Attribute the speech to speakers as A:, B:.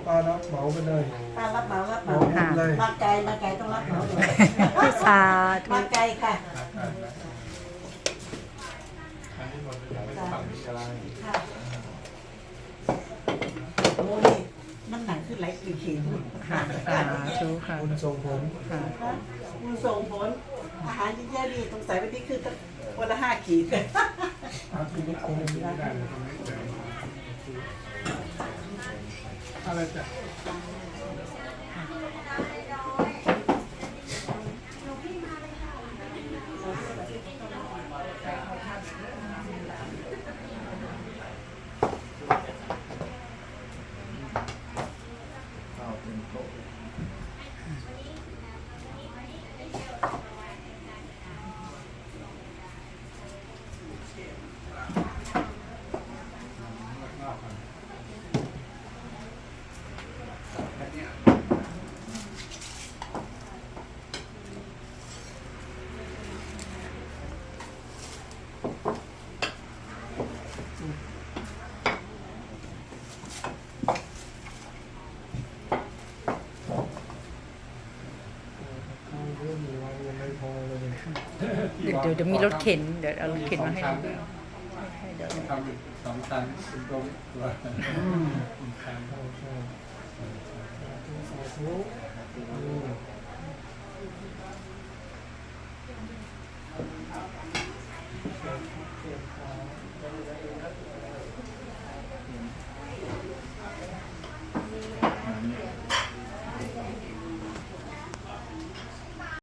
A: ป้ารับเหมาไปเลย
B: ป้ารับเหมารับเห
A: เหมา
B: มา
A: หมดเลย
B: มาไกลต้องรับเหมาเลย
C: สาธุ
B: มาไกลค่ะ
D: อันนี้หมดเลยไม่ฝั่งนี้อะไร
B: ค่ะโอ้นี่น้ำหนักขึ้นหลายขีด
C: ค่ะสาธุค่ะ
A: คุณส่งผม
C: ค่ะ
B: คุณส่งผลอาหารที่แย่ดีตรงใส่ไปที่คือวันละ5 ขีด
A: อาชีพคงไม่ได้
D: อะไรจ้ะ
A: เรื่องมีวันยังไม่พอเลย
C: เดี๋ยวมีรถเข็นเดี๋ยวเอารถเข็นมาให้ดูเดี๋ยว
D: ทำอีก2 ชั้นเป็นตรงตัวชั้น
A: ใช่ใช่สาธุ